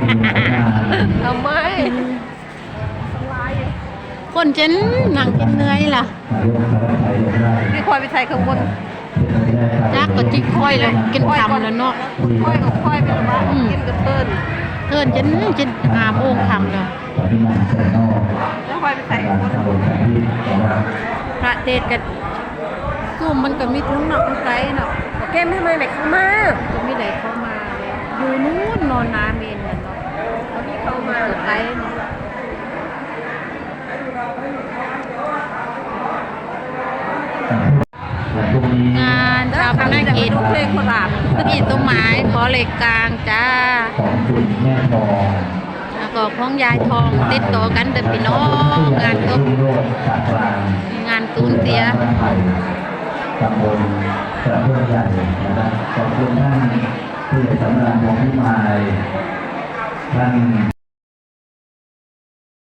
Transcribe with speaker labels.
Speaker 1: ทำไม
Speaker 2: คนเจนนั่งกินเนื้อยล่ะ
Speaker 1: พี่ควายไปใส่ข้างบน
Speaker 2: จักก็จิกค่อยแล้วกินคำแล้วเนาะ
Speaker 1: ควายกับควายเป็นบ้านกินกับเติ้ล
Speaker 2: เจน5 โมงคำแล้ว
Speaker 1: แล้วควายไปใส่ข้างบน
Speaker 2: พระเทศกันซุ่มมันก็มีทั้งนอกทั้งไกลเนาะ
Speaker 1: เกมทำไมไม่เข้ามา
Speaker 2: จะมีไหนเข้ามาอยู่นู้นนอนนาเมนกันเนาะ
Speaker 1: เขาที่เข้ามา
Speaker 2: ไกลเนาะงานชาปนกิจ
Speaker 1: เพลงโคราช
Speaker 2: ที่ต้นไม้ขอเหล็กกลางจ้า
Speaker 3: ของคุณแม่ทอง
Speaker 2: แล้วก็ของยายทองติดต่อกันเดินพี่น้องงานก็งานตูนเสีย
Speaker 3: ตำบลกระเพื่อมใหญ่นะครับขอบคุณท่านผู้ใหญ่สำราญวงพิมายท่าน